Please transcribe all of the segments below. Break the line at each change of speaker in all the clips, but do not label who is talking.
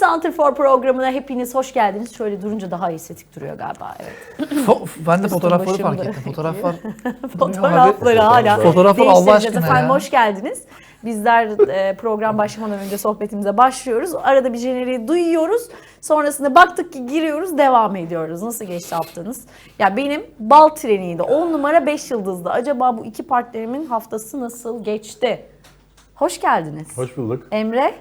Santrfor programına hepiniz hoş geldiniz. Şöyle durunca daha estetik duruyor galiba. Evet.
Ben de fotoğrafları fark ettim. Fotoğraflar.
Fotoğrafları hala.
Fotoğraflar Allah aşkına
Efendim
ya.
hoş geldiniz. Bizler program başlamadan önce sohbetimize başlıyoruz. Arada bir jeneriği duyuyoruz. Sonrasında baktık ki giriyoruz, devam ediyoruz. Nasıl geçti haftanız? Ya benim bal treniydi. 10 numara 5 yıldızdı. Acaba bu iki partnerimin haftası nasıl geçti? Hoş geldiniz.
Hoş bulduk.
Emre,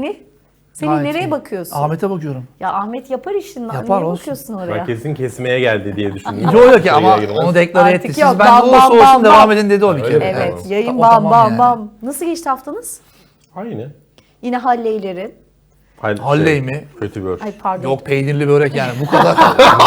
Seni nereye bakıyorsun?
Ahmet'e bakıyorum.
Ya Ahmet yapar işini.
Yapar,
Niye
olsun.
bakıyorsun oraya?
Ben kesin kesmeye geldi diye düşündüm.
Yok ya ama onu deklare
Artık
etti.
yok,
Siz ben de olursa olsun devam edin dedi o bir kere.
Öyle mi?
Evet,
Tamam.
yayın
O
bam
tamam
bam
yani.
bam. Nasıl geçti haftanız?
Aynı.
Yine Halley'lerin.
Halley mi?
Kötü bör.
Ay pardon.
Yok peynirli börek yani bu kadar.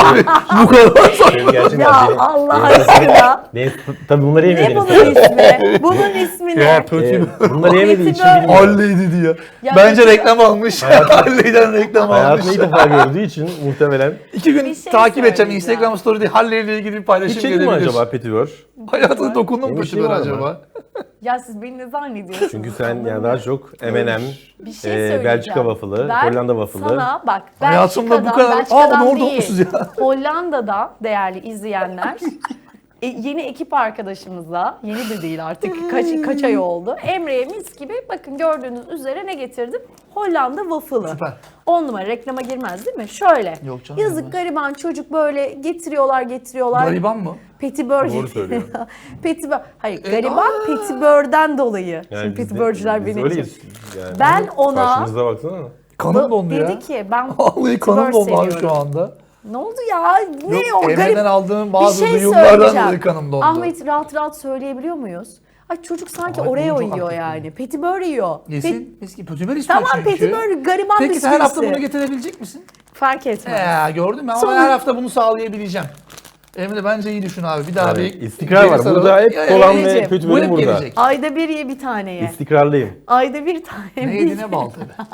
Bu kadar.
Benim gerçekten
Ya
benim-
Allah aşkına.
Tabii bunları
Ne
yemediniz.
bunun ismi? Bunun ismi ne?
Bunları yemediği için
Kötü bör.
bilmiyorum.
Halley dedi ya.
Ya
Bence
kötü-
reklam almış. Halley'den reklam almış.
Hayatını ilk defa gördüğü için muhtemelen.
2 gün
Bir şey
takip edeceğim.
söyleyeceğim.
Instagram story'de Halley ile ilgili bir paylaşım
Hiç çekti mi
gelebilir.
acaba Petibör?
Hayatına dokundun mu
Benim
Petibör
var ama.
acaba?
Ya siz beni ne zannediyorsunuz?
Çünkü sen yani daha çok M&M,
bir şey söyleyeceğim.
Belçika waffle'ı,
Ben
Hollanda waffle'ı.
Sana bak
Hayatımda bu
Belçika'dan,
kadar... Aa bunu orada
değil,
okumuşuz ya.
Hollanda'da değerli izleyenler yeni ekip arkadaşımızla, yeni de değil artık kaç ay oldu. Emre'ye mis gibi bakın gördüğünüz üzere ne getirdim? Hollanda waffle'ı.
Süper.
10 numara reklama girmez değil mi? Şöyle.
Yok canım,
Yazık
girmez.
gariban çocuk böyle getiriyorlar.
Gariban mı?
Petibör.
Doğru söylüyor.
Petibör. Hayır gariban Petibör'den dolayı. Şimdi
biz de-
petibörcüler
biz
beni...
öyleyiz yani.
Ben ona...
Karşımızda baksana.
Kanım dondu ya.
Dedi ki ben
Vallahi kanım
petibör
dondu abi
seviyorum.
şu anda.
Ne oldu ya? Ne
Yok,
o
Emre'den
garip?
aldığım
Bir
bazı
şey
duyumlardan
söyleyeceğim.
dolayı kanım dondu.
Ahmet rahat rahat söyleyebiliyor muyuz? Ay çocuk sanki
Ay,
Oreo
bunu çok
yiyor
haklı.
yani. Petibör yiyor.
Yesin. Eski petibör istiyor
Tamam
çünkü.
petibör gariban
Peki
bisküvisi.
her hafta bunu getirebilecek misin?
Fark etmez.
Gördün mü ama
Sonra-
ben her hafta bunu sağlayabileceğim. Emre bence iyi düşün abi. Bir daha
Yani
bir
istikrar var.
geri saralım.
Burada hep
Ya,
kolan
Emre'ciğim,
ve
bu
Petibör'üm
hep
burada.
gelecek.
Ayda bir ye bir tane ye.
İstikrarlıyım.
Ayda bir tane.
Ne yedi ne bal tabii.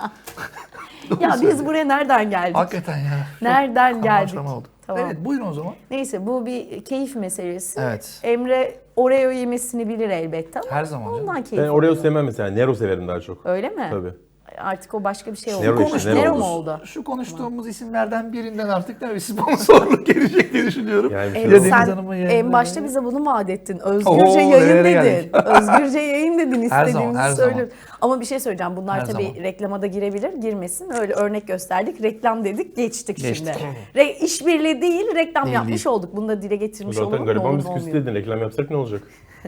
Ya biz buraya nereden geldik?
Hakikaten ya.
Nereden geldik?
Karmaşama oldu.
Tamam.
Evet buyurun o zaman.
Neyse bu bir keyif meselesi.
Evet.
Emre Oreo yemesini bilir elbette ama
Her zaman canım.
ondan keyif
Ben Oreo
alıyor.
sevmem mesela. Nero severim daha çok.
Öyle mi?
Tabii.
Artık o başka bir şey oldu.
Nero işte,
Nero
Nero
mu oldu?
Şu konuştuğumuz isimlerden birinden artık da bir sponsorluk gelecek diye düşünüyorum.
Yani bir şey
Evet,
yok.
Deniz
sen
Hanım'ın
en
yayınları.
başta bize bunu vaat ettin. Özgürce
Oo,
yayın
nerelere
dedin.
geldik?
Özgürce yayın dedin.
Her zaman,
İstediğimizi
her zaman.
söylüyoruz. Ama bir şey söyleyeceğim. Bunlar
Her
tabii
zaman.
reklama da girebilir. Girmesin. Öyle örnek gösterdik. Reklam dedik. Geçtik
Geçtik.
şimdi. İşbirliği değil reklam
Değil,
yapmış
değil.
olduk. Bunu da dile getirmiş
Zaten
olalım.
gariban
Olur mu,
bisküvisi
olmuyor?
dedin. Reklam yapsak ne olacak?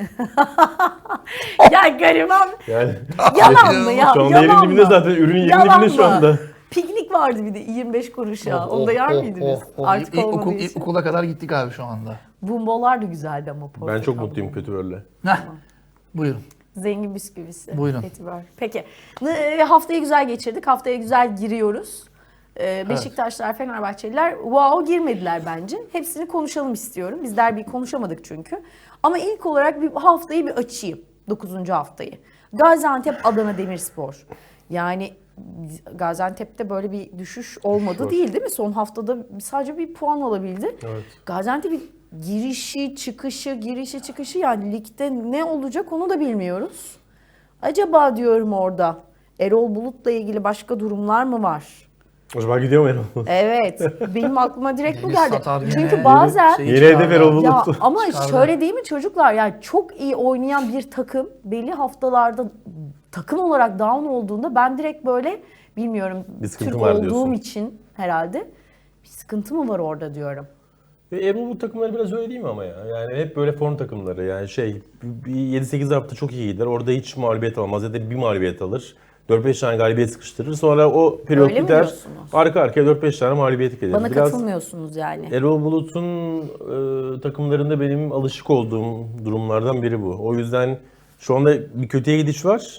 Ya gariban.
Yani
Yalan mı ya?
şu anda yerin
Yalan
dibinde
mı?
zaten. Ürünün yerin
Yalan
dibinde şu
mı?
anda.
Piknik vardı bir de 25 kuruş ya. Onu da yer miydiniz? Artık olmadığı için.
İlkokula kadar gittik abi şu anda.
Bumbolar da güzeldi ama.
Ben çok
portakal
mutluyum
bumbo.
Petibör'le.
Heh. Buyurun.
Zengin bisküvisi.
Buyurun.
Petibör. Peki. Haftayı güzel geçirdik. Haftaya güzel giriyoruz. Beşiktaşlar, Fenerbahçeliler wow girmediler bence. Hepsini konuşalım istiyorum. Biz derbiyi konuşamadık çünkü. Ama ilk olarak bir haftayı bir açayım. 9. haftayı. Gaziantep, Adana Demirspor. Yani Gaziantep'te böyle bir düşüş olmadı
Var.
değil mi? Son haftada sadece bir puan alabildi.
Evet.
Gaziantep'in girişi, çıkışı yani ligde ne olacak onu da bilmiyoruz. Acaba diyorum orada Erol Bulut'la ilgili başka durumlar mı var?
Acaba gidiyor mu Erol?
Evet. Benim aklıma direkt bu
Deniz
geldi.
satar yine.
Çünkü bazen
Şeyi
Yine
çıkardı.
hedef Erol
ya
Bulut.
ama
Çıkardı.
şöyle değil mi çocuklar? Yani çok iyi oynayan bir takım belli haftalarda takım olarak down olduğunda ben direkt böyle bilmiyorum
Bir sıkıntı
Türk
var
olduğum
diyorsun.
için herhalde bir sıkıntı mı var orada diyorum.
Erol bu takımları biraz öyle değil mi ama ya? Yani hep böyle form takımları. Yani bir 7-8 hafta çok iyi gider. Orada hiç mağlubiyet almaz ya da bir mağlubiyet alır. 4-5 tane galibiyet sıkıştırır. Sonra o periyot
Öyle mi
biter.
diyorsunuz?
Arka arkaya 4-5 tane mağlubiyet gelir.
Bana
Biraz
katılmıyorsunuz yani.
Erol Bulut'un takımlarında benim alışık olduğum durumlardan biri bu. O yüzden şu anda bir kötüye gidiş var.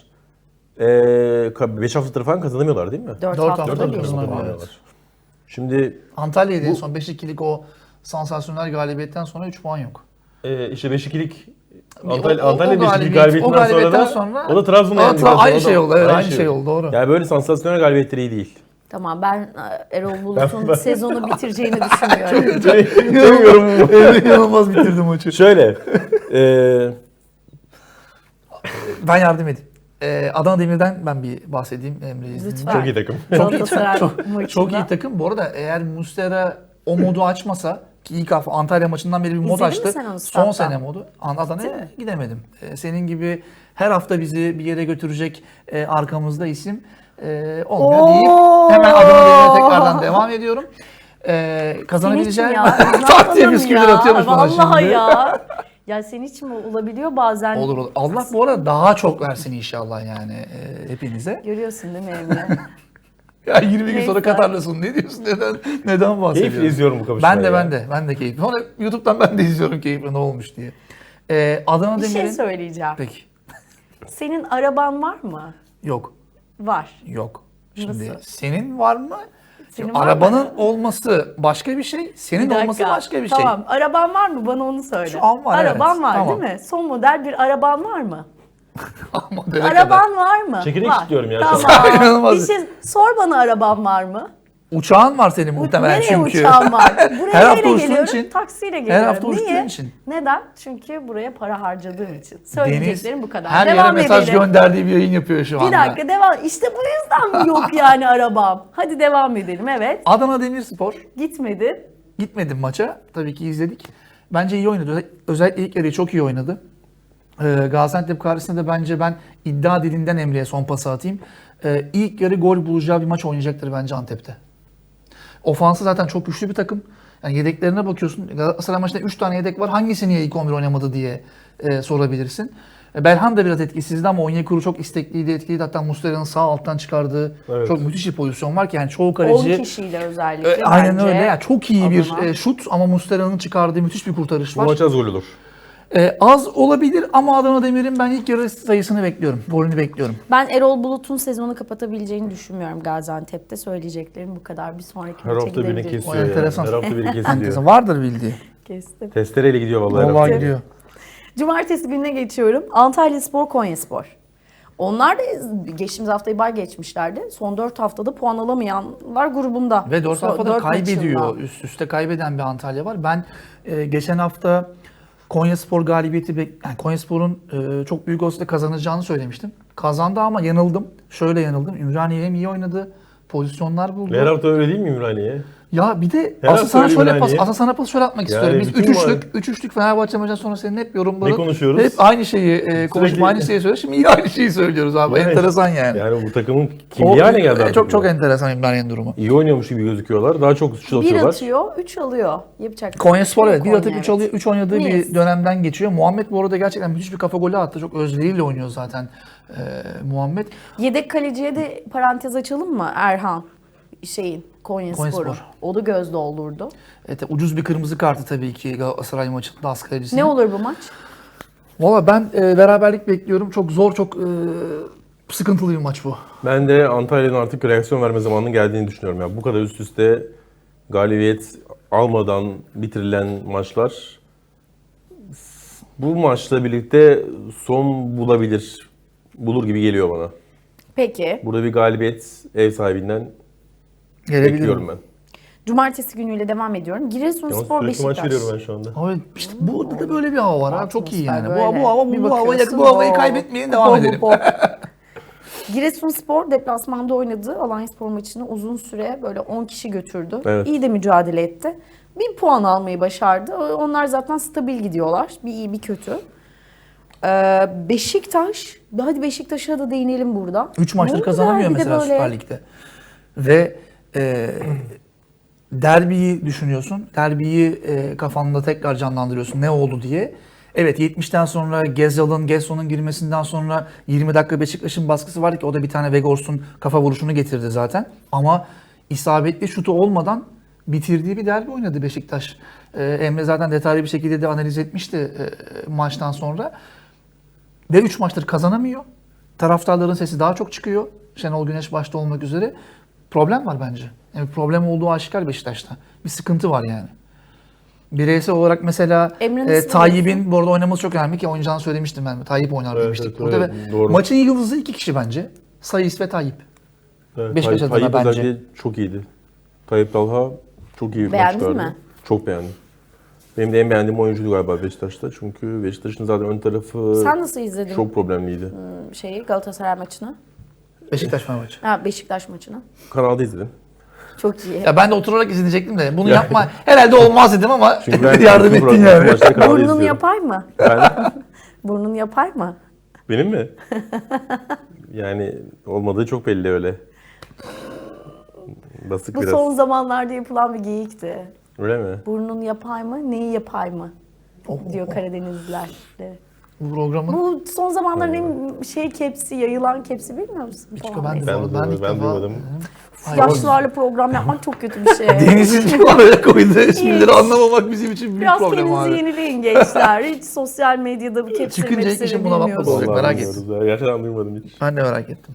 5 haftadır falan kazanamıyorlar değil mi?
4
Dört
haftada
haftada
bir.
kazanamıyorlar.
Evet. Şimdi
Antalya'da en son 5-2'lik o sansasyonel galibiyetten sonra 3 puan yok.
işte 5-2'lik
O
Antalya 5-2
o
galibiyetinden sonra da
sonra
o da Trabzon'a
Aa,
yendikten sonra
aynı
da-
şey oldu. Evet, aynı şey oldu. Doğru.
Yani böyle sansasyonel galibiyetleri iyi değil.
Tamam ben Erol Bulut'un sezonu bitireceğini düşünmüyorum.
Bilmiyorum.
Evet, inanılmaz bitirdi maçı.
Şöyle.
Ben yardım edeyim. Adana Demir'den ben bir bahsedeyim Emre izninle.
Lütfen.
Çok iyi takım.
Çok iyi,
Galatasaray
çok
maçında.
iyi takım. Bu arada eğer Muslera o modu açmasa ki ilk hafta Antalya maçından beri bir mod
İzledin mi
açtı.
sen onu
Son
statta?
sene modu. Adana'ya
Değil mi?
gidemedim. Senin gibi her hafta bizi bir yere götürecek arkamızda isim olmuyor
Oo!
deyip hemen Adana Demir'e tekrardan devam ediyorum.
Senin için
Kazanabileceğim
ya. biz ne
tak diye
yapalım
bisküviler
ya?
atıyormuş bana
Vallahi
şimdi.
ya. Ya senin için mi olabiliyor bazen?
Olur olur. Allah bu arada daha çok versin inşallah yani hepinize.
Görüyorsun değil mi Emre?
Ya 20 gün
Neyse.
sonra Katar'lasın. Ne diyorsun? Neden bahsediyorsun?
Keyifle izliyorum bu kavuşmayı.
Ben de keyifli. Sonra YouTube'dan ben de izliyorum keyifli ne olmuş diye. Adana
Bir şey
Demir'in...
söyleyeceğim.
Peki.
Senin araban var mı?
Yok.
Var.
Yok. Şimdi
Nasıl?
senin var mı?
Senin var
Arabanın
mı?
olması başka bir şey. Senin
Bir dakika.
olması başka bir şey.
Tamam. Araban var mı? Bana onu söyle.
Şu an var,
Araban
evet.
var
Tamam.
değil mi? Son model bir araban var mı?
Ama döne kadar.
Araban var mı?
Çekirdek
var.
istiyorum ya.
Tamam.
İnanılmaz.
Bir şey sor bana araban var mı?
Uçağın var senin muhtemelen
Nereye
çünkü.
uçağım var? Buraya
Her hafta
neyle
uçtuğun
geliyorum?
için.
Taksiyle geliyorum.
hafta uçtuğun
Niye?
için.
Neden? Çünkü buraya para harcadığım için.
Deniz
Söyleyeceklerim bu kadar.
her yere
Devam
mesaj
edelim.
gönderdiği bir yayın yapıyor şu anda.
Bir dakika devam. İşte bu yüzden mi yok yani arabam? Hadi devam edelim. Evet.
Adana Demirspor.
Gitmedi.
Gitmedim maça. Tabii ki izledik. Bence iyi oynadı. Özellikle ilk yarıyı çok iyi oynadı. Gaziantep karşısında da bence ben iddia dilinden Emre'ye son pası atayım. İlk yarı gol bulacağı bir maç oynayacaktır bence Antep'te. Ofansı zaten çok güçlü bir takım. Yani yedeklerine bakıyorsun. Galatasaray maçında 3 tane yedek var. Hangisi niye ilk 11 oynamadı diye sorabilirsin. Belhan da biraz etkisizdi ama Onyekuru çok istekliydi, etkiliydi. Hatta Muslera'nın sağ alttan çıkardığı
Evet.
çok müthiş bir pozisyon var ki yani çoğu
10
kaleci...
kişiyle özellikle.
Aynen
bence
öyle. Yani çok iyi bir
Adana.
şut ama Muslera'nın çıkardığı müthiş bir kurtarış
Bu
var.
maç az gol olur.
Az olabilir ama Adana Demir'in ben ilk yarı sayısını bekliyorum. Golünü bekliyorum.
Ben Erol Bulut'un sezonu kapatabileceğini düşünmüyorum Gaziantep'te. Söyleyeceklerim bu kadar. Bir sonraki
Her
maça
hafta birini
gidebiliriz.
kesiyor ya.
enteresan.
Her hafta biri kesiliyor.
Vardır bildiği.
Kestim.
Testereyle gidiyor vallahi. her
Vallahi
hafta.
gidiyor.
Cumartesi gününe geçiyorum. Antalyaspor, Konyaspor. Onlar da geçtiğimiz haftayı bay geçmişlerdi. Son 4 haftada puan alamayanlar grubunda.
Ve 4
Son
haftada
dört
kaybediyor.
maçında.
Üst üste kaybeden bir Antalya var. Ben geçen hafta Konyaspor galibiyeti yani Konyaspor'un çok büyük olasılıkla kazanacağını söylemiştim. Kazandı ama yanıldım. Şöyle yanıldım. Ümraniye hem iyi oynadı. Pozisyonlar buldu.
Her hafta öyle değil mi Ümraniye?
Ya bir de
Her hafta öyle Ümraniye.
sana pas şöyle atmak
Yani
istiyorum. Biz
bütün
3-3'lük Fenerbahçe maçından sonra senin hep yorumların
Ne konuşuyoruz?
hep aynı şeyi konuşup aynı şeyi söylüyoruz. Şimdi yine aynı şeyi söylüyoruz abi.
Yani-
Enteresan yani.
Yani bu takımın kimliği haline geldi artık.
Çok
bu.
enteresan İmraniye'nin durumu.
İyi oynuyormuş gibi gözüküyorlar. Daha çok şut
Bir
atıyorlar.
atıyor, 3 alıyor. Yapacak.
Konyaspor evet. Bir
Konya,
atıp 3
evet.
alıyor. 3 oynadığı
Niyiz?
bir dönemden geçiyor. Muhammed bu arada gerçekten müthiş bir kafa golü attı. Çok özveriyle oynuyor zaten Muhammed.
Yedek kaleciye de parantez açalım mı Erhan? Konyaspor'un.
Konyaspor.
O da göz doldurdu.
Evet, ucuz bir kırmızı kartı tabii ki Galatasaray maçında az kalecisinin.
Ne olur bu maç?
Valla ben beraberlik bekliyorum. Çok zor, çok sıkıntılı bir maç bu.
Ben de Antalya'nın artık reaksiyon verme zamanının geldiğini düşünüyorum. Yani bu kadar üst üste galibiyet almadan bitirilen maçlar bu maçla birlikte son bulur gibi geliyor bana.
Peki.
Burada bir galibiyet ev sahibinden
Gelebilir.
bekliyorum ben.
Cumartesi günüyle devam ediyorum. Giresunspor
Yalnız sürekli maç
Beşiktaş.
veriyorum ben şu anda.
Abi işte burada da böyle bir hava var ha. Çok iyi yani.
Atmosfer böyle. Bir
Bu
bakıyorsun,
havayı
o-
kaybetmeyin, devam
hop,
edelim.
hop, hop. Giresunspor deplasmanda oynadı. Alanyaspor maçını uzun süre böyle 10 kişi götürdü.
Evet.
İyi de mücadele etti. Bir puan almayı başardı. Onlar zaten stabil gidiyorlar. Bir iyi bir kötü. Beşiktaş. Hadi Beşiktaş'a da değinelim burada.
3
Ne
maçtır
oldu
kazanamıyor
derbide
mesela
böyle?
Süper Lig'de. Ve derbiyi düşünüyorsun. Derbiyi kafanda tekrar canlandırıyorsun. Ne oldu diye. Evet 70'ten sonra Gesson'un girmesinden sonra 20 dakika Beşiktaş'ın baskısı vardı ki o da bir tane Vegors'un kafa vuruşunu getirdi zaten. Ama isabetli şutu olmadan bitirdiği bir derbi oynadı Beşiktaş. Emre zaten detaylı bir şekilde de analiz etmişti maçtan sonra. Ve 3 maçtır kazanamıyor. Taraftarların sesi daha çok çıkıyor. Şenol Güneş başta olmak üzere. Problem var bence. Yani problem olduğu aşikar Beşiktaş'ta. Bir sıkıntı var yani. Bireysel olarak mesela
Emre nasıl
Tayyip'in bu arada oynaması çok önemli ki oynayacağını söylemiştim ben. Tayyip oynar
Evet,
demiştik
evet,
burada
evet,
ve
doğru.
maçın yıldızı 2 kişi bence. Sayıs ve Tayyip.
Evet,
Beşiktaş adına
Tayyip
bence.
özellikle çok iyiydi. Tayyip Talha çok iyi bir maç
Beğendin
çıkardı.
mi?
Çok beğendim. Benim de en beğendiğim oyuncuydu galiba Beşiktaş'ta. Çünkü Beşiktaş'ın zaten ön tarafı
Sen nasıl izledin
çok problemliydi.
Galatasaray maçını?
Beşiktaş maçı.
Ha, Beşiktaş maçını.
Kanalda izledim.
Çok iyi.
Ya ben de oturarak izleyecektim de bunu yapma herhalde olmaz dedim ama
Çünkü ben
yardım
bütün
ettin yani.
maçları kanalda
Burnun
izliyorum.
yapar mı?
Ben,
Burnun yapar mı?
benim mi? Yani olmadığı çok belli öyle. Basık
Bu
biraz.
son zamanlarda yapılan bir geyikti.
Öyle mi?
Burnun yapar mı? Neyi yapar mı? Diyor Karadenizliler. de.
Bu programın
Bu son zamanların en kepsi, yayılan kepsi bilmiyor musun?
Hiç
Falan
ben
neyse.
de-
Ben,
ilk
ben
defa-
duymadım.
Yaşlılarla program yapmak çok kötü bir şey.
Deniz'in oraya koyduğu esprileri anlamamak bizim için büyük
Biraz
problem
kendinizi
abi.
yenileyin gençler. Hiç sosyal medyada bu kepsi
Çıkınca ilk
mepsleri
işim buna bakmak
bilmiyorsunuz.
olacak.
Vallahi
merak
bilmiyoruz ya. Gerçekten duymadım hiç.
Ben de merak ettim.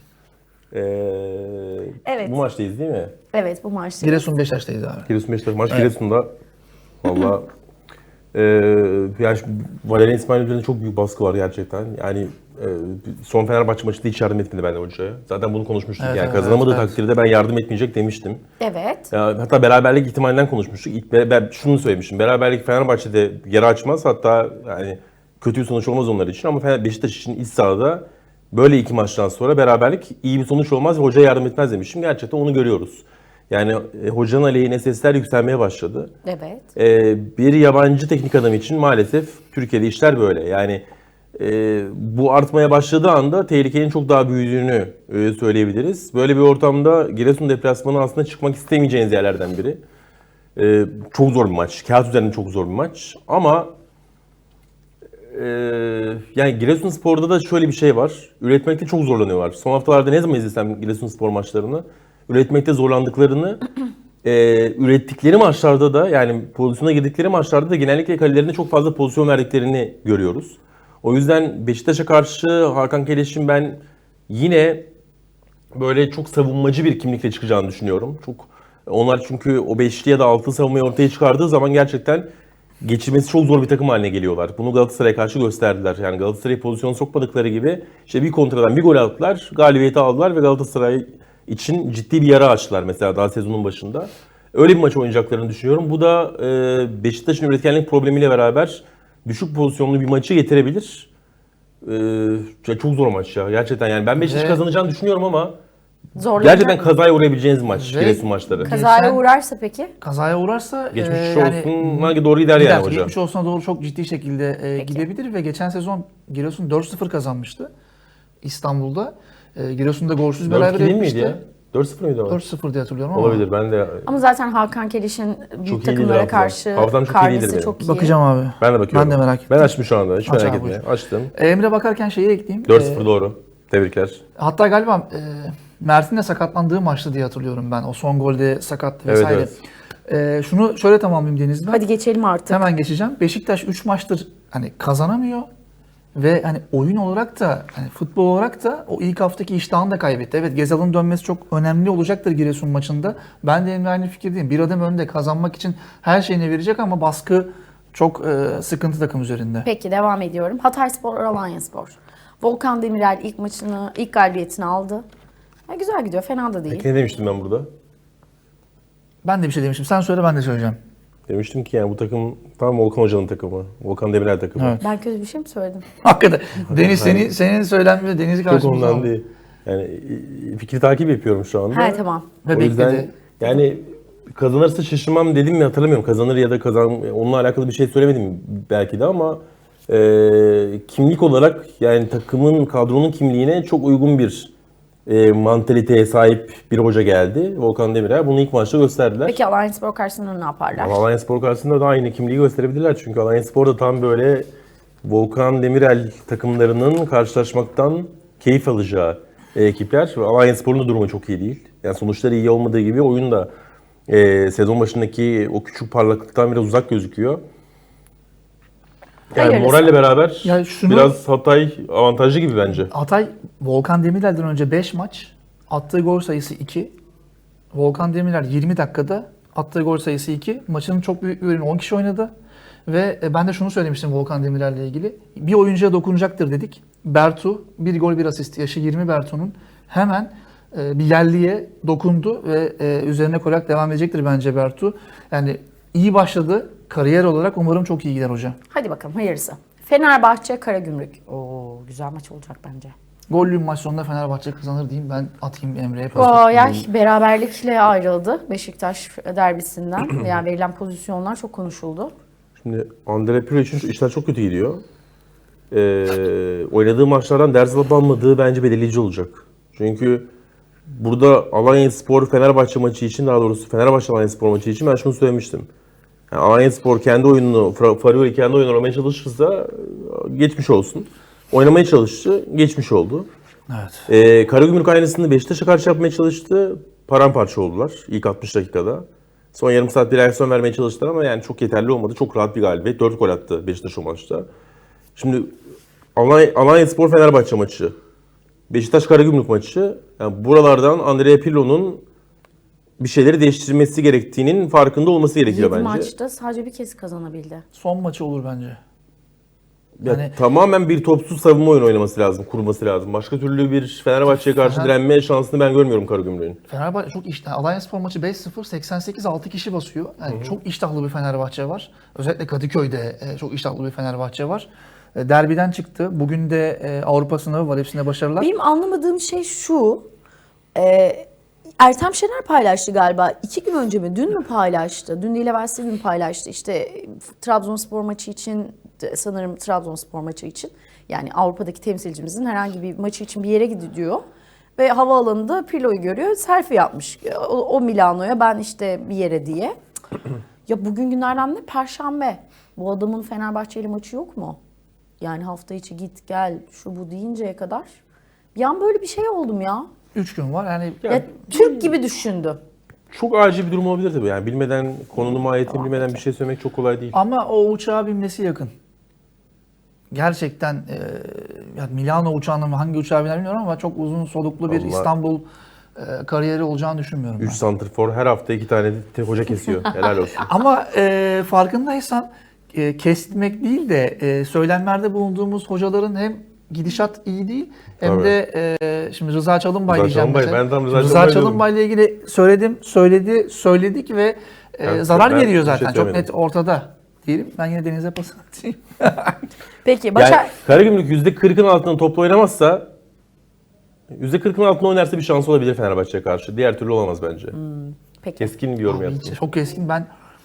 Evet.
Bu maçtayız değil mi?
Evet, bu maçta.
Giresun Beşiktaş'tayız abi.
Giresun Beşiktaş. Maç Giresun'da. Valla yani Valerian İsmail üzerinde çok büyük baskı var gerçekten. Yani son Fenerbahçe maçında hiç yardım etmedi benden hocaya. Zaten bunu konuşmuştuk.
Evet,
yani
evet,
kazanamadığı
evet.
takdirde ben yardım etmeyecek demiştim.
Evet.
Hatta beraberlik ihtimalinden konuşmuştuk. Ben şunu söylemiştim. Beraberlik Fenerbahçe'de yara açmaz. Hatta yani kötü bir sonuç olmaz onlar için ama Beşiktaş için iç sahada böyle iki maçtan sonra beraberlik iyi bir sonuç olmaz ve hocaya yardım etmez demiştim. Gerçekten onu görüyoruz. Yani hocanın aleyhine sesler yükselmeye başladı.
Evet.
Bir yabancı teknik adam için maalesef Türkiye'de işler böyle. Yani bu artmaya başladığı anda tehlikenin çok daha büyüdüğünü söyleyebiliriz. Böyle bir ortamda Giresun deplasmanı aslında çıkmak istemeyeceğiniz yerlerden biri. Çok zor bir maç. Kağıt üzerinde çok zor bir maç. Ama yani Giresunspor'da da şöyle bir şey var. Üretmekte çok zorlanıyorlar. Son haftalarda ne zaman izlesem Giresunspor maçlarını üretmekte zorlandıklarını ürettikleri maçlarda da yani pozisyona girdikleri maçlarda da genellikle kalelerine çok fazla pozisyon verdiklerini görüyoruz. O yüzden Beşiktaş'a karşı Hakan Keleş'in ben yine böyle çok savunmacı bir kimlikle çıkacağını düşünüyorum. Onlar çünkü o beşli ya da altı savunmayı ortaya çıkardığı zaman gerçekten geçirmesi çok zor bir takım haline geliyorlar. Bunu Galatasaray'a karşı gösterdiler. Yani Galatasaray'a pozisyon sokmadıkları gibi işte bir kontradan bir gol attılar, galibiyeti aldılar ve Galatasaray için ciddi bir yara açtılar mesela daha sezonun başında. Öyle bir maç oynayacaklarını düşünüyorum. Bu da Beşiktaş'ın üretkenlik problemiyle beraber düşük pozisyonlu bir maçı getirebilir. Çok zor maç ya gerçekten yani ben Beşiktaş
Ve-
kazanacağını düşünüyorum ama
Zorlanacak
gerçekten
mı?
kazaya uğrayabileceğiniz maç
Ve-
Giresun maçları.
Kazaya
Geçen-
uğrarsa peki?
Kazaya uğrarsa
Geçmiş
yani
olsun doğru gider yani hoca.
Geçmiş olsuna doğru çok ciddi şekilde gidebilir ve geçen sezon Giresun 4-0 kazanmıştı İstanbul'da. Giresun'da golsüz
4-2
beraber
değil miydi
etmişti.
ya? 4-0 mıydı ama?
4-0 diye hatırlıyorum ama.
Olabilir ben de
Ama zaten Hakan Keliş'in
Çok
büyük
iyi
takımlara
değildir
karşı
hafızam çok iyi değildir
karnesi
benim.
çok iyi.
Bakacağım abi.
ben de bakıyorum.
Ben de merak ettim.
Ben açtım şu anda hiç
Aç
merak
abi,
etme.
buyur.
Açtım.
Emre bakarken şeyi ekleyeyim.
4-0 doğru. Tebrikler.
Hatta galiba Mert'in de sakatlandığı maçtı diye hatırlıyorum ben. O son golde sakattı
Evet,
vesaire. Şunu şöyle tamamlayayım Deniz ben.
Hadi geçelim artık.
Hemen geçeceğim. Beşiktaş 3 maçtır hani kazanamıyor ve hani oyun olarak da hani futbol olarak da o ilk haftaki iştahını da kaybetti. Evet, Gezal'ın dönmesi çok önemli olacaktır Giresun maçında. Ben de Emre aynı fikirdeyim. Bir adım önde kazanmak için her şeyini verecek ama baskı çok sıkıntı takım üzerinde.
Peki devam ediyorum. Hatayspor, Alanyaspor. Volkan Demirel ilk galibiyetini aldı. Güzel gidiyor, fena da değil.
Ne demiştim ben burada?
Ben de bir şey demiştim. Sen söyle, ben de söyleyeceğim.
Demiştim ki yani bu takım tam Volkan Hoca'nın takımı. Volkan Demirel takımı.
Evet.
Ben kötü bir şey mi söyledim?
Hakikaten. Deniz senin söylenme Deniz'i
Çok
karşımıza
ondan
aldı.
değil. Yani fikri takip yapıyorum şu anda.
He tamam.
Ve
O yüzden
bekledi.
yani kazanırsa şaşırmam dedim mi hatırlamıyorum. Kazanır ya da onunla alakalı bir şey söylemedim belki de ama kimlik olarak yani takımın, kadronun kimliğine çok uygun bir mantaliteye sahip bir hoca geldi. Volkan Demirel. Bunu ilk maçta gösterdiler.
Peki Alanyaspor karşısında ne yaparlar?
Ama Alanyaspor karşısında da aynı kimliği gösterebilirler. Çünkü Alanyaspor da tam böyle Volkan Demirel takımlarının karşılaşmaktan keyif alacağı ekipler. Alanyaspor'un da durumu çok iyi değil. Yani sonuçları iyi olmadığı gibi oyun da sezon başındaki o küçük parlaklıktan biraz uzak gözüküyor. Yani
Hayırlısı.
moralle beraber
Ya şunu-
biraz Hatay avantajlı gibi bence.
Hatay Volkan Demirel'den önce 5 maç, attığı gol sayısı 2. Volkan Demirel 20 dakikada attığı gol sayısı 2. Maçın çok büyük bir bölümü 10 kişi oynadı. Ve ben de şunu söylemiştim Volkan Demirel'le ilgili. Bir oyuncuya dokunacaktır dedik. Bertu, bir gol bir asist, yaşı 20 Bertu'nun hemen bir yerliye dokundu ve üzerine koyarak devam edecektir bence Bertu. Yani iyi başladı. kariyer olarak umarım çok iyi gider hoca.
Hadi bakalım hayırlısı. Fenerbahçe Karagümrük. Oo, güzel maç olacak bence.
Gollü maç sonunda Fenerbahçe kazanır diyeyim. Ben atayım Emre'ye pas.
Ay, beraberlikle ayrıldı Beşiktaş derbisinden. Yani verilen pozisyonlar çok konuşuldu.
Şimdi Andrea Pirlo için işler çok kötü gidiyor. Oynadığı maçlardan ders alıp almadığı bence belirleyici olacak. Çünkü burada Alanyaspor Fenerbahçe maçı için, daha doğrusu Fenerbahçe Alanyaspor maçı için ben şunu söylemiştim. Yani Alanyaspor kendi oyununu, Farioli kendi oyununu oynamaya çalışırsa geçmiş olsun. Oynamaya çalıştı, geçmiş oldu.
Evet.
Karagümrük aynısını Beşiktaş'a karşı yapmaya çalıştı. Paramparça oldular ilk 60 dakikada. Son yarım saat bir reaksiyon vermeye çalıştılar ama yani çok yeterli olmadı. Çok rahat bir galibiyet. 4 gol attı Beşiktaş o maçta. Şimdi Alanyaspor Fenerbahçe maçı, Beşiktaş Karagümrük maçı. Yani buralardan Andrea Pirlo'nun bir şeyleri değiştirmesi gerektiğinin farkında olması gerekiyor
7
bence.
maçta sadece bir kez kazanabildi.
Son maçı olur bence.
Ya
Yani-
tamamen bir topsuz savunma oyunu oynaması lazım, kurması lazım. Başka türlü bir Fenerbahçe'ye karşı
Fener-
direnme şansını ben görmüyorum Karagümrük'ün.
Fenerbahçe çok iştahlı. Alanyaspor maçı 5-0, 88 6 kişi basıyor. Yani çok iştahlı bir Fenerbahçe var. Özellikle Kadıköy'de çok iştahlı bir Fenerbahçe var. Derbiden çıktı. Bugün de Avrupa sınavı var. Hepsine başarılar.
Benim anlamadığım şey şu. Ertem Şener paylaştı galiba. 2 gün önce mi? Dün mü paylaştı? Dün değil evvelsi gün paylaştı. İşte Trabzonspor maçı için, sanırım Trabzonspor maçı için. Yani Avrupa'daki temsilcimizin herhangi bir maçı için bir yere gidiyor. Ve havaalanında Pirlo'yu görüyor. Selfie yapmış. O Milano'ya, ben işte bir yere diye. Ya bugün günlerden ne? Perşembe. Bu adamın Fenerbahçeli maçı yok mu? Yani hafta içi git gel şu bu deyinceye kadar. Bir an böyle bir şey oldum ya.
3 gün var. Yani
Ya Türk gibi düşündüm.
Çok acil bir durum olabilir tabii. Yani bilmeden, konunun mahiyetini bilmeden bir şey söylemek çok kolay değil.
ama o uçağa binmesi yakın. Gerçekten yani Milano uçağının hangi uçağa biner bilmiyorum ama çok uzun soluklu bir
Vallahi-
İstanbul kariyeri olacağını düşünmüyorum ben.
3 santrfor her hafta 2 tane hoca kesiyor. Helal olsun.
Ama farkındaysan kesmek değil de söylemlerde bulunduğumuz hocaların hem gidişat iyi değil hem
Tabii.
de şimdi Rıza Çalınbay
Rıza
diyeceğim
Çalınbay,
mesela.
ben tam Rıza
Şimdi
Çalınbay diyordum.
Çalınbay'la ilgili söyledik ve
Evet,
zarar
ben
geliyor
bir şey
zaten. Çok
söylemedim.
net ortada diyelim. Ben yine Deniz'e pas atayım.
Peki Başak...
Yani Karagümrük %40'ın altında topla oynamazsa, %40'ın altında oynarsa bir şansı olabilir Fenerbahçe'ye karşı. Diğer türlü olamaz bence.
Peki.
Keskin bir yorum
Abi,
yaptım.
çok keskin ben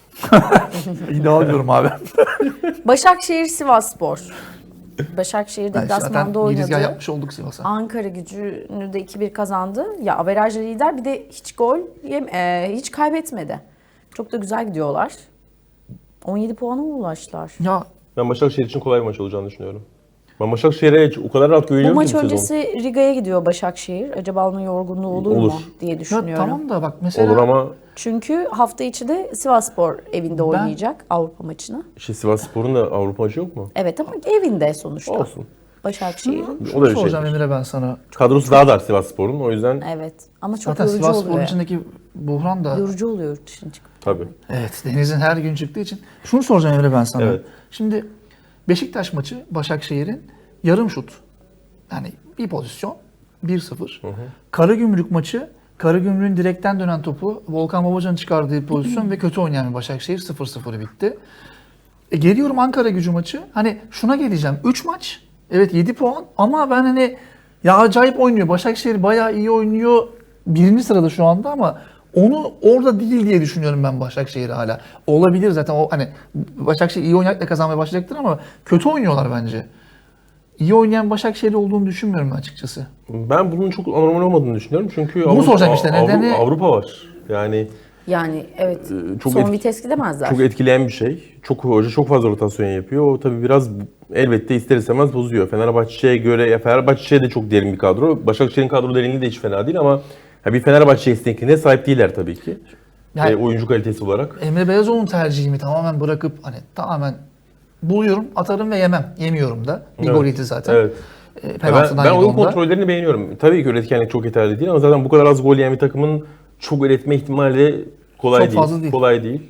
iddia alıyorum abi.
Başakşehir Sivasspor. Başakşehir
Ben zaten
deplasmanda
girizgah
oynadı.
yapmış olduk Sivas'a.
Ankara Gücü'nü de 2-1 kazandı. Ya averajlı lider, bir de hiç gol hiç kaybetmedi. Çok da güzel gidiyorlar. 17 puana mı ulaştılar?
Ya
Ben Başakşehir için kolay bir maç olacağını düşünüyorum. Ben Başakşehir'e o kadar rahat
Bu
güveniyorum
maç
ki bu sezon.
öncesi Riga'ya gidiyor Başakşehir. Acaba onun yorgunluğu olur
Olur.
mu diye
ya
düşünüyorum.
tamam da bak mesela
Olur ama
Çünkü hafta içi de Sivasspor evinde oynayacak Avrupa maçını.
işte Sivasspor'un da Avrupa maçı yok mu?
Evet ama evinde sonuçta.
Olsun.
Başakşehir'in.
O da bir
soracağım
şeydir.
Emre ben sana.
Kadrosu daha dar Sivasspor'un, o yüzden
Evet. Ama çok
Zaten
yorucu
Sivasspor'un
oluyor.
içindeki buhran da
Yorucu oluyor yurt dışına çıkıp.
tabii.
evet Deniz'in her gün çıktığı için. Şunu soracağım Emre ben sana.
Evet.
Şimdi Beşiktaş maçı Başakşehir'in yarım şut. Yani bir pozisyon 1-0. Karagümrük maçı Karagümrük'ün direkten dönen topu Volkan Babacan'ın çıkardığı pozisyon ve kötü oynayan bir Başakşehir 0-0 bitti. Geliyorum Ankara Gücü maçı. Hani şuna geleceğim. 3 maç. Evet 7 puan ama ben hani ya acayip oynuyor. Başakşehir bayağı iyi oynuyor. Birinci sırada şu anda ama onu orada değil diye düşünüyorum ben Başakşehir'i hala. Olabilir zaten o hani Başakşehir iyi oynayarak kazanmaya başlayacaktır ama kötü oynuyorlar bence. İyi oynayan Başakşehir olduğunu düşünmüyorum ben açıkçası.
Ben bunun çok anormal olmadığını düşünüyorum çünkü
Bunu soracağım işte, nedeni-
Avrupa var. Yani
Yani evet
çok
son
etki-
vites gidemezler.
çok etkileyen bir şey. Hoca çok fazla rotasyon yapıyor. O tabii biraz elbette ister istemez bozuyor. Fenerbahçe'ye göre, ya Fenerbahçe de çok derin bir kadro. Başakşehir'in kadro derinliği de hiç fena değil ama ya bir Fenerbahçe esnekliğine sahip değiller tabii ki.
Yani
Oyuncu kalitesi olarak.
Emre Belezoğlu'nun tercihimi tamamen bırakıp hani tamamen buluyorum, atarım ve yemem. Yemiyorum da. Bir
Evet.
gol yedi zaten.
Evet.
Penaltıdan
Ben
yedi
oyun
onda.
kontrollerini beğeniyorum. Tabii ki üretkenlik çok yeterli değil ama zaten bu kadar az gol yiyen bir takımın çok üretme ihtimali kolay
Çok
değil.
fazla değil.
Kolay değil.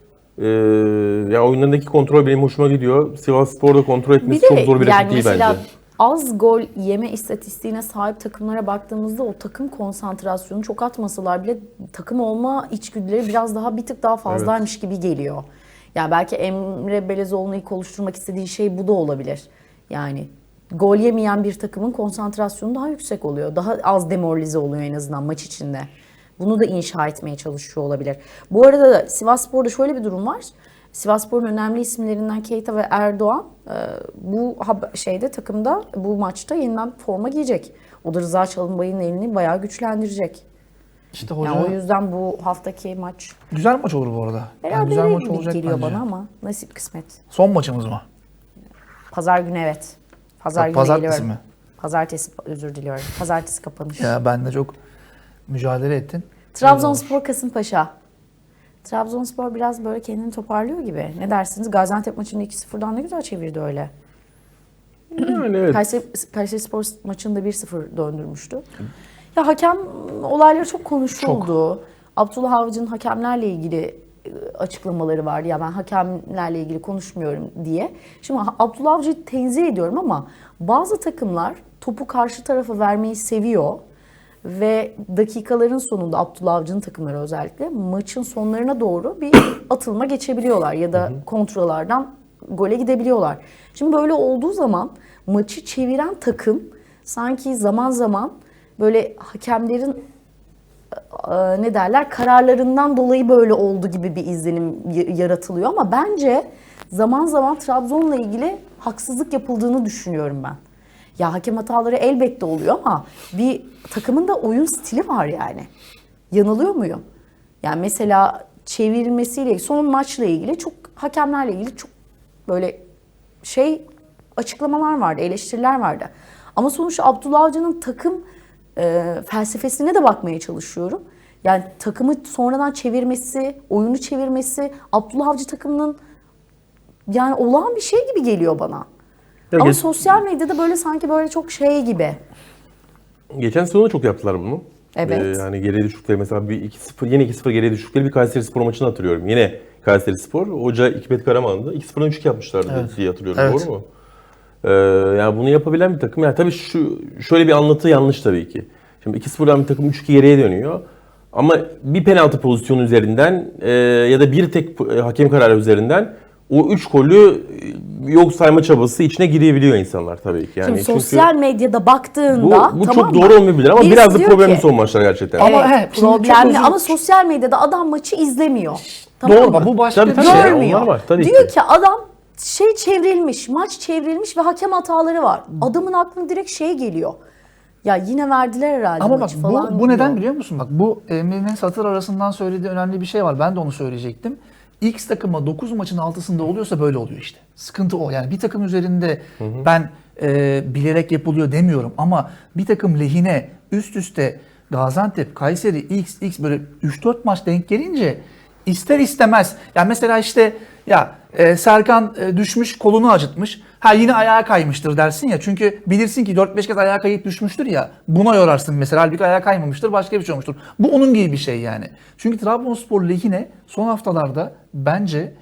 Ya oyunlarındaki kontrol benim hoşuma gidiyor. Sivasspor'da kontrol
Bir
etmesi
de
çok zor bir
yani
rakip değil
mesela
bence.
az gol yeme istatistiğine sahip takımlara baktığımızda o takım konsantrasyonu çok atmasalar bile takım olma içgüdüleri biraz daha bir tık daha fazlaymış gibi geliyor. Yani belki Emre Belezoğlu'nu ilk oluşturmak istediği şey bu da olabilir. Yani gol yemeyen bir takımın konsantrasyonu daha yüksek oluyor. Daha az demoralize oluyor en azından maç içinde. Bunu da inşa etmeye çalışıyor olabilir. Bu arada da Sivasspor'da şöyle bir durum var. Sivasspor'un önemli isimlerinden Keita ve Erdoğan bu takımda bu maçta yeniden forma giyecek. O da Rıza Çalınbay'ın elini bayağı güçlendirecek.
İşte hoca
Yani o yüzden bu haftaki maç
güzel maç olur bu arada. Yani güzel
berabere
maç olacak
geliyor
bence.
bana ama nasip kısmet.
Son maçımız mı?
Pazar günü evet. Pazar günü
Pazartesi
geliyorum.
mi?
Pazartesi özür diliyorum. Pazartesi kapanış.
Ya ben de çok mücadele ettin.
Trabzonspor Kasımpaşa. Trabzonspor biraz böyle kendini toparlıyor gibi. Ne dersiniz? Gaziantep maçını 2-0'dan ne güzel çevirdi öyle.
Yani evet.
Kayserispor maçını da 1-0 döndürmüştü. Ya hakem olayları çok konuşuldu. Abdullah Avcı'nın hakemlerle ilgili açıklamaları vardı. Ya ben hakemlerle ilgili konuşmuyorum diye. Şimdi Abdullah Avcı'yı tenzih ediyorum ama bazı takımlar topu karşı tarafa vermeyi seviyor. Ve dakikaların sonunda Abdullah Avcı'nın takımları özellikle maçın sonlarına doğru bir atılma geçebiliyorlar ya da kontralardan gole gidebiliyorlar. Şimdi böyle olduğu zaman maçı çeviren takım sanki zaman zaman böyle hakemlerin kararlarından dolayı böyle oldu gibi bir izlenim yaratılıyor ama bence zaman zaman Trabzon'la ilgili haksızlık yapıldığını düşünüyorum ben. Ya hakem hataları elbette oluyor ama bir takımın da oyun stili var yani. Yanılıyor muyum? Yani mesela çevirmesiyle, son maçla ilgili hakemlerle ilgili çok böyle açıklamalar vardı, eleştiriler vardı. Ama sonuçta Abdullah Avcı'nın takım felsefesine de bakmaya çalışıyorum. Yani takımı sonradan çevirmesi, oyunu çevirmesi Abdullah Avcı takımının yani olağan bir şey gibi geliyor bana. Ama sosyal medyada böyle sanki böyle çok gibi.
Geçen sezonda çok yaptılar bunu.
Evet.
Yani geriye düştükleri mesela bir 2-0, yine 2-0 geriye düştükleri bir Kayserispor maçını hatırlıyorum. Yine Kayserispor, hoca Hikmet Karaman'dı. 2-0'dan 3-2 yapmışlardı diye hatırlıyorum.
Evet.
Doğru mu? Yani bunu yapabilen bir takım. Yani tabii şöyle bir anlatı yanlış tabii ki. Şimdi 2-0'dan bir takım 3-2 geriye dönüyor. Ama bir penaltı pozisyonu üzerinden ya da bir tek hakem kararı üzerinden o 3 golü yok sayma çabası içine girebiliyor insanlar tabii ki. Yani
Şimdi sosyal medyada baktığında
bu
tamam
çok
mı?
doğru olmayabilir ama
Birisi
biraz da
diyor
problemli
ki-
son maçlar gerçekten.
Ama
Evet,
şimdi çok
problemli
özür-
ama sosyal medyada adam maçı izlemiyor. Tamam
Doğru,
mı?
bu başka
Tabii,
bir
tabii.
şey.
Görmüyor.
Onlar var, tabii
Diyor
ki.
ki adam çevrilmiş, maç çevrilmiş ve hakem hataları var. Adamın aklına direkt geliyor. Ya yine verdiler herhalde
Ama bak
maçı falan.
bu neden
diyor.
biliyor musun? Bak bu Emre'nin satır arasından söylediği önemli bir şey var. Ben de onu söyleyecektim. X takıma 9 maçın altısında oluyorsa böyle oluyor işte. Sıkıntı o. Yani bir takım üzerinde ben bilerek yapılıyor demiyorum ama bir takım lehine üst üste Gaziantep, Kayseri, X böyle 3-4 maç denk gelince ister istemez. Yani mesela işte Serkan düşmüş, kolunu acıtmış. Ha yine ayağa kaymıştır dersin ya. Çünkü bilirsin ki 4-5 kez ayağa kayıp düşmüştür ya. Buna yorarsın mesela. Halbuki ayağa kaymamıştır. Başka bir şey olmuştur. Bu onun gibi bir şey yani. Çünkü Trabzonspor lehine son haftalarda bence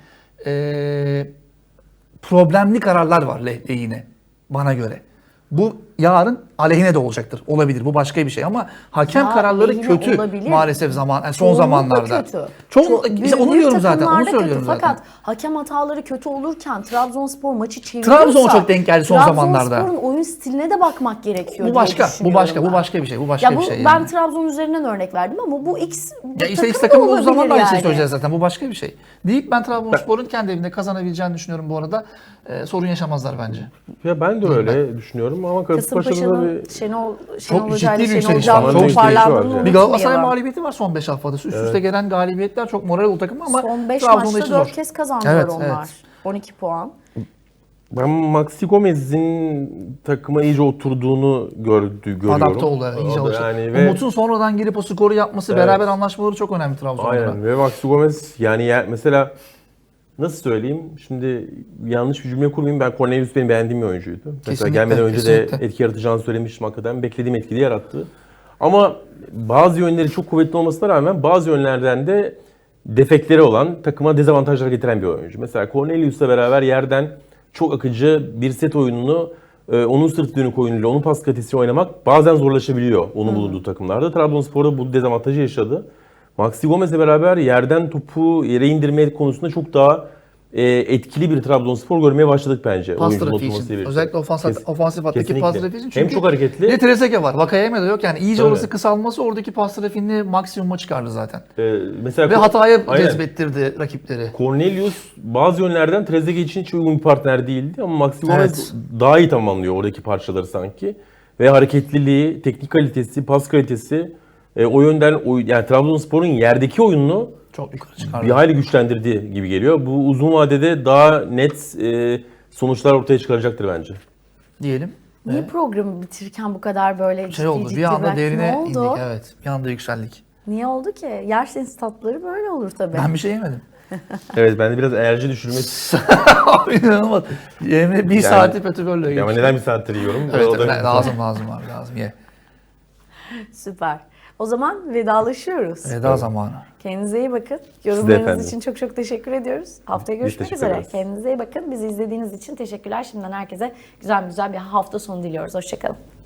problemli kararlar var lehine. Bana göre. Bu yarın aleyhine de olacaktır. Olabilir. Bu başka bir şey ama hakem
Ya,
kararları
lehine
kötü
olabilir.
maalesef son
Çoğunlukla
zamanlarda.
kötü.
İşte onu
Büyük
diyorum zaten. Onu
takımlarda
söylüyorum
kötü.
zaten.
Fakat hakem hataları kötü olurken Trabzonspor maçı çeviriyorsa
Trabzon çok denk geldi son zamanlarda.
Trabzonspor'un oyun stiline de bakmak gerekiyor
Bu
diye
başka
düşünüyorum ben.
bu başka bir şey. Bu başka
Ya
bir şey
ben
yani.
Trabzon üzerinden örnek verdim ama bu X
Ya işte X
takım da
takımı o zaman da
olabilir
aynı şeyi
yani.
söyleyeceğiz zaten. Bu başka bir şey. Deyip ben Trabzonspor'un kendi evinde kazanabileceğini düşünüyorum bu arada. Sorun yaşamazlar bence.
Ya ben de öyle düşünüyorum ama Kasımpaşa'da da
Kasımpaşa'nın
bir...
Şenol
ciddi
Hoca'yla
bir
Şenol
yükseliş
Can'ın
var. Çok ciddi
toparlandığını
bir yükseliş var.
Bir Galatasaray
unutmayalım.
mağlubiyeti var son 5 haftada. Üst üste gelen galibiyetler çok moral o takım ama
Son 5
Trabzon'da
maçta
işi
4
zor.
kez kazandılar
Evet,
onlar.
evet.
12 puan.
Ben Maxi Gomez'in takıma iyice oturduğunu görüyorum.
Adapte oldu. İyice
O da
alıştı.
yani ve
Umut'un sonradan gelip o skoru yapması,
Evet.
beraber anlaşmaları çok önemli Trabzon'da.
aynen ve Maxi Gomez yani mesela nasıl söyleyeyim? Şimdi yanlış bir cümle kurmayayım. Ben Cornelius benim beğendiğim bir oyuncuydu. Mesela
Kesinlikle,
gelmeden önce
kesinlikle.
de etki yaratacağını söylemiştim hakikaten. Beklediğim etkiyi yarattı. Ama bazı yönleri çok kuvvetli olmasına rağmen bazı yönlerden de defekleri olan, takıma dezavantajlar getiren bir oyuncu. Mesela Cornelius'la beraber yerden çok akıcı bir set oyununu onun sırt dönük oyunuyla, onun pas kalitesiyle oynamak bazen zorlaşabiliyor onun bulunduğu takımlarda. Trabzonspor'da bu dezavantajı yaşadı. Maxi Gomez'le beraber yerden topu yere indirme konusunda çok daha etkili bir Trabzonspor görmeye başladık bence.
Pas
oyuncunun
trafiği
oturmasıyla
için.
birlikte.
Özellikle ofansif hattaki
Kesinlikle.
pas trafiği için.
Hem çok hareketli.
Bir de Trezeguet var. Vakayeme de yok. Yani iyice
Tabii.
orası kısalması oradaki pas trafiğini maksimuma çıkardı zaten.
Mesela
Ve hataya
Aynen.
cezbettirdi rakipleri.
Cornelius bazı yönlerden Trezeguet için hiç uygun bir partner değildi ama Maxi Gomez
Evet.
daha iyi tamamlıyor oradaki parçaları sanki. Ve hareketliliği, teknik kalitesi, pas kalitesi o yönden yani Trabzonspor'un yerdeki oyununu
Çok yukarı çıkardı.
bir hayli güçlendirdiği gibi geliyor. Bu uzun vadede daha net sonuçlar ortaya çıkaracaktır bence.
Diyelim.
Niye programı bitirirken bu kadar böyle
Şey oldu, bir anda
bıraktın?
derine
Ne oldu?
indik. Evet, bir anda yükseldik.
Niye oldu ki? Yerseniz tatları böyle olur tabii.
Ben bir şey yemedim.
Evet, ben de biraz enerji düşürmek
İnanılmaz. Emre bir saati petrolle
ama
geçti.
neden bir saattir yiyorum?
Evet,
O da-
lazım abi lazım. Ye.
Süper. O zaman vedalaşıyoruz.
Veda zamanı.
Kendinize iyi bakın.
efendim.
Yorumlarınız için çok çok teşekkür ediyoruz. Haftaya görüşmek
teşekkür
üzere.
ederiz.
Kendinize iyi bakın. Bizi izlediğiniz için teşekkürler. Şimdiden herkese güzel bir hafta sonu diliyoruz. Hoşçakalın.